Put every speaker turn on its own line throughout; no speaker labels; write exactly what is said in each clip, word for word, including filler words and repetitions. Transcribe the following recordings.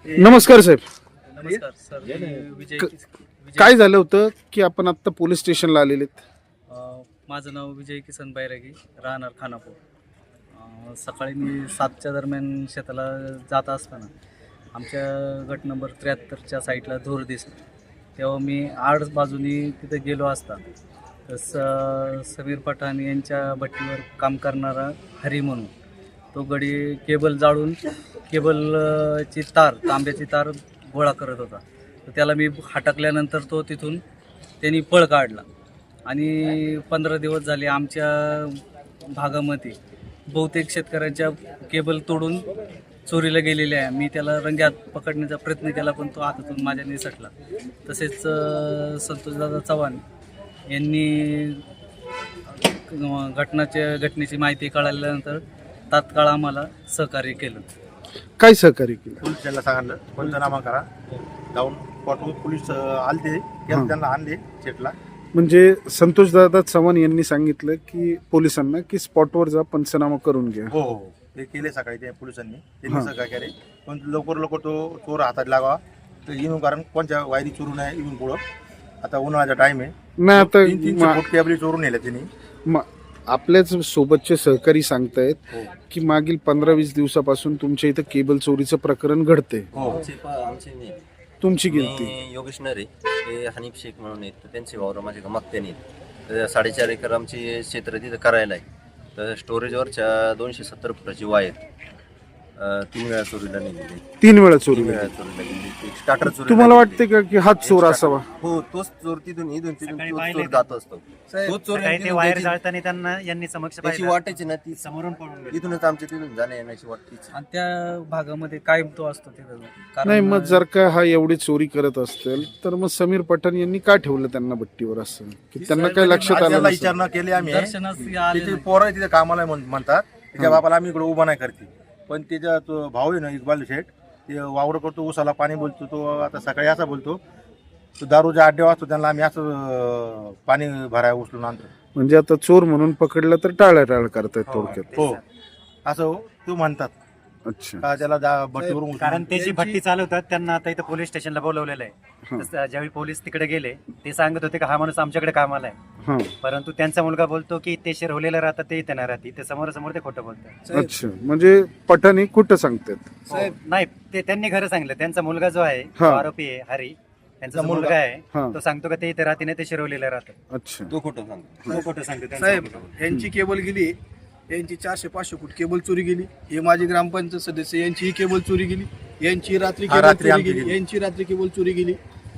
नमस्कार साहेब.
नमस्कार सर. मी विजय
क-
किस- विजय
काय झालं होतं की आपण आत्ता पोलीस स्टेशनला आलेले आहेत?
अ, माझं नाव विजय किसन बैरागी, राहणार खानापूर. अ, सकाळी मी सातच्या दरम्यान शेताला जात असताना आमच्या गट नंबर त्र्याहत्तरच्या साईडला धूर दिसला. तेव्हा मी आड बाजूनी तिथे गेलो असता तर स समीर पठाण यांच्या भट्टीवर काम करणारा हरी म्हणून तो गडी केबल जाळून केबलची तार तांब्याची तार गोळा करत होता. तर त्याला मी हटकल्यानंतर तो तिथून त्यांनी पळ काढला आणि पंधरा दिवस झाले आमच्या भागामध्ये बहुतेक शेतकऱ्यांच्या केबल तोडून चोरीला गेलेले आहे. मी त्याला रंग्यात पकडण्याचा प्रयत्न केला पण तो हातातून माझ्या निसटला. तसेच अ, संतोषदादा चव्हाण यांनी अ, घटनाच्या घटनेची माहिती कळाल्यानंतर तात्काळ आम्हाला सहकार्य केलं.
काय सहकार्य केलं?
पोलीस त्यांना सांगितलं पंचनामा करा, जाऊन पाठवून पोलीस आलते
हां.
त्यांना आणले सेटला.
म्हणजे संतोषदादा चव्हाण यांनी सांगितलं की पोलिसांना की स्पॉटवर जा, पंचनामा करून घ्या.
हो हो ते केले सकाळी त्या पोलिसांनी त्यांनी
हां.
सहकार्य केले. पण लवकर लवकर तो चोर हातात लागावा तर येऊन, कारण कोणत्या वायरी चोरून आहे येऊन पुढं. आता उन्हाळ्याचा टाइम आहे,
नाही आता
तीन तीनशे
मा-
फूट कॅबली चोरून नेल्या त्यांनी.
मा- आपल्याच सोबतचे सहकारी सांगतायत
हो
की मागील पंधरा वीस दिवसापासून तुमच्या इथं केबल चोरीचं प्रकरण घडते.
हो
आमचे पा- आमचे नाही.
तुमची गिनती?
मी योगेश नरे, ते हनीफ शेख म्हणून आहेत, तर त्यांचे वावर माझे मागत्याने आहेत. तर साडेचार एकर आमची क्षेत्र तिथं करायला आहे. तर स्टोरेजवरच्या दोनशे सत्तर फुटाची वायर अं, तीन वेळा चोरीला नेलेली.
तीन वेळा
तीन
चोरी
वेळा
झाली.
चोरीला गेली. एक स्टार्टर चोरी.
तुम्हाला वाटते का की हाच चोर असावा?
हो, तोच चोर तिथून इथून तिथून
सकाळी
तोच
पाहिलंय
चोर
का?
जात असतो. तोच चोर
सकाळी ते
तिथून
वायर
त्याची-
जाळताना त्यांना यांनी समक्ष
त्याची
पाहिलं.
वाटायची ना ती
समोरून पळून गेले.
इथूनच आमच्या तिथून जाण्या येण्याची वाटतीच.
आणि त्या भागामध्ये कायम तो असतो तिथं. कारण
नाही मग जर का हा एवढी चोरी करत असतील तर मग समीर पठाण यांनी का ठेवलं त्यांना भट्टीवर असं की त्यांना काय लक्षात आलं
त्याला
नसेल?
विचारणा केली आम्ही.
दर्शनास आले
तिथे
नाही.
पोरं तिथे कामाला म्हण- म्हणतात त्याच्या
हां.
बापाला आम्ही इकडे उभा नाही करते. पण त्याचा तो भाऊ आहे ना इक्बाल शेठ, ते वावर करतो, उसाला पाणी बोलतो. तो आता सकाळी असा बोलतो, तो दारूच्या अड्डे वाचतो, त्यांना आम्ही असं अं, पाणी भराय उचलून आणतो.
म्हणजे आता चोर म्हणून पकडलं तर टाळाटाळ करतायत थोडक्यात.
हो असं हो, तो म्हणतात
अच्छा.
का त्याला दा- भट्टीवरून उचलून
कारण ते जी भट्टी चालवतात त्यांना आता इथं पोलीस स्टेशनला बोलवलेलं आहे.
हां.
तसं ज्यावेळी पोलीस तिकडे गेले ते सांगत होते की हा माणूस आमच्याकडे कामाला आहे,
हा
परंतु त्यांचा मुलगा बोलतो की ते शिरवलेलं राहतात ते इथे नाही राहते. ते समोर समोर ते खोटं बोलतात.
अच्छा. म्हणजे पठाण हे कुठं सांगतात?
नाही, ते त्यांनी खरं सांगितलं. त्यांचा मुलगा जो आहे तो
हां.
आरोपी आहे हरी, त्यांचा जो
मुलगा.
मुलगा आहे
हां.
तो सांगतो का ते इथे राहते नाही, ते शिरवलेलं राहतं.
अच्छा.
तो खोटं सांगतो.
तो खोटं सांगतो त्यांचा
साहेब,
मुलगा.
यांची केबल गेली, यांची चारशे पाचशे फूट केबल चोरी गेली. हे माझे ग्रामपंचायत सदस्य, यांची ही केबल चोरी गेली. यांची रात्री
हा,
केबल
रात्री
चोरी
आमची
गेली.
गेली.
यांची रात्री केबल चोरी गेली.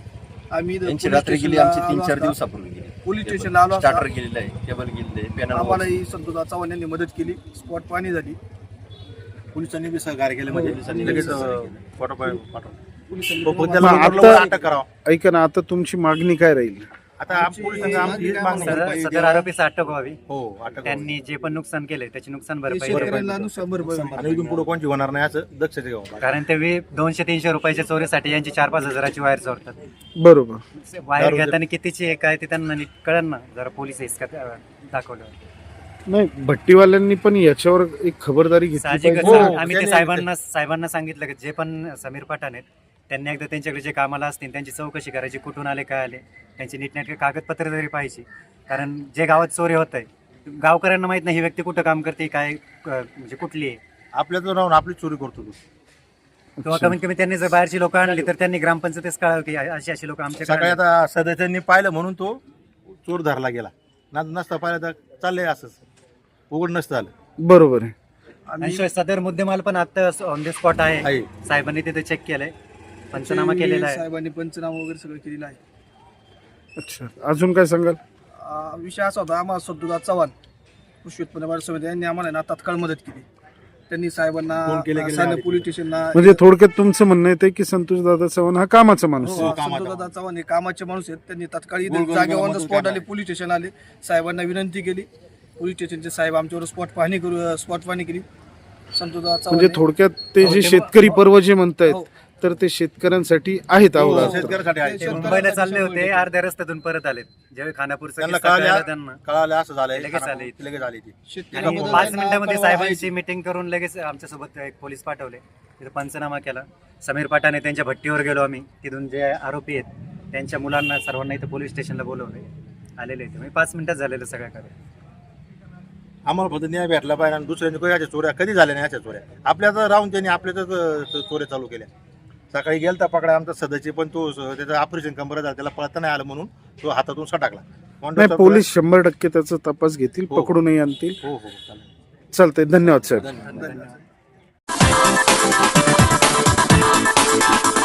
आम्ही इथं
त्यांची
पोलीस
रात्री गेली,
स्टेशनला
आमची तीन
आलो
चार
असता.
दिवसापूर्वी गेली.
पोलीस स्टेशनला आलो असता.
स्टार्टर गेलेलं आहे, केबल गेलेलं आहे, पॅनल
आम्हालाही संतोष चव्हाण यांनी मदत केली. स्पॉट पाणी झाली.
पोलिसांनी बी सहकार्य केलं. म्हणजे
पोलिसांनी
लगेच
सहकार्य
अं, फोटो पाठवून
पोलिसांनी
पण
पण
त्याला
मग
लवकर
आता-
अटक करावं.
ऐका ना, आता तुमची मागणी काय राहील?
आता आम- पोलिसांचं आमची हीच मागणी
सदर
आहे.
सदर आरोपीचा अटक व्हावी.
हो अटक व्हावी.
त्यांनी जे पण नुकसान केले त्याची नुकसान
ते
भरपाई
शेतकऱ्यांना नुकसान भरपाई.
आणि इथून पुढे कोणची होणार नाही असं दक्षता घ्यावं.
कारण ते वे- दोनशे तीनशे रुपयाच्या चोरीसाठी यांची चार पाच हजाराची वायर चोरतात.
बरोबर.
वायर
दारू-
घेताना कितीची आहे काय ते त्यांना नीट कळन ना. जरा पोलीस हिसका दाखवलं.
नाही, भट्टीवाल्यांनी पण याच्यावर एक खबरदारी घेतली
साहजिकच
पाहिजे.
हो,
आम्ही ते
त्यांनी-
साहेबांना साहेबांना सांगितलं की जे पण समीर पठाण आहेत त्यांनी एकदा त्यांच्याकडे जे कामाला असतील त्यांची चौकशी करायची, कुठून आले काय आले, त्यांची नीटनेटके कागदपत्र तरी पाहिजे. कारण जे गावात चोरी होत आहे गावकऱ्यांना माहित नाही ही व्यक्ती कुठं काम करते, काय क- म्हणजे कुठली आहे.
आपल्याचं राहून आपली चोरी करतो तो.
किंवा कमीत कमी त्यांनी जर बाहेरची लोक आणली तर त्यांनी ग्रामपंचायतीच कळावं की अशी अशी लोक
सकाळी
आमच्याकडे
आता सदस्यांनी पाहिलं म्हणून तो चोर धरला गेला. ना नसता पाहिलं तर चाललंय असंच, उघड नसतं आलं.
बरोबर आहे.
आणि शिवाय सदर मुद्देमाल पण आता ऑन द स्पॉट आहे.
आहे.
साहेबांनी तिथे चेक केलंय, पंचनामा केलेला आहे.
साहेबांनी पंचनामा वगैरे सगळं केलेलं आहे.
अच्छा. अजून काय सांगाल?
आ, विषय असा होता, आम्हाला संतोष चव्हाण कृषी उत्पन्न बाजार समिती यांनी आम्हाला ना तात्काळ मदत केली. त्यांनी साहेबांना
फोन केले गेले
साने
आले.
पोलीस स्टेशनला
म्हणजे थोडक्यात तुमचं म्हणणं येते की संतोष दादा चव्हाण हा कामाचा माणूस आहे.
हो,
कामाचा
संतोषदादा चव्हाण हे कामाचे माणूस आहेत. त्यांनी तात्काळ
गोल गोल
जागेवर ऑन द
गोल
स्पॉट
गोल
आले, पोलीस स्टेशन आले, साहेबांना विनंती केली. पोलीस स्टेशनचे साहेब आमच्यावर स्पॉट पाहणी करू स्पॉट पाहणी केली. संतोषदादा
म्हणजे
चव्हाण
थोडक्यात ते
हो,
जे
ते-
शेतकरी पर्व जे म्हणतायत
हो.
तर ते शेतकऱ्यांसाठी आहेत
हो,
अहोरात्र.
शेतकऱ्यासाठी आहे.
ते मुंबईला चालले होते, अर्ध्या रस्त्यातून परत आलेत. ज्यावेळी खानापूरचा
त्यांना
किस्सा
कळाल्या-
कळाला त्यांना
कळालं असं झालंय
लगेच आले.
लगेच आली ती
आणि
शेतकऱ्याबद्दल
पाच
त्यांना
मिनिटांमध्ये
कळवा आहे.
साहेबांची मिटिंग करून लगेच आमच्यासोबत एक पोलीस पाठवले. तिथं पंचनामा केला. समीर पाटाने त्यांच्या भट्टीवर गेलो आम्ही. तिथून जे आरोपी आहेत त्यांच्या मुलांना सर्वांना इथं पोलीस स्टेशनला बोलवले. आलेले ते म्हणजे पाच मिनिटात झालेलं सगळ्या कार्य.
आम्हाला फक्त न्याय भेटला पाहिजे आणि दुसऱ्यांनी काही याच्या चोऱ्या कधी झाल्या नाही याच्या चोऱ्या आपल्याच राहून त्यांनी आपल्याच चोऱ्या चालू केल्या. सकाळी गेलता पकडा आमचा सदस्य पण तो स- त्याचं ऑपरेशन कंबर झालं त्याला पळता नाही आलं म्हणून तो हातातून सटाकला.
नाही, पोलीस शंभर टक्के त्याचा तपास घेतील,
हो.
पकडूनही आणतील.
हो हो चालेल.
चालतंय, धन्यवाद साहेब.
धन्यवाद.
धन्यवाद.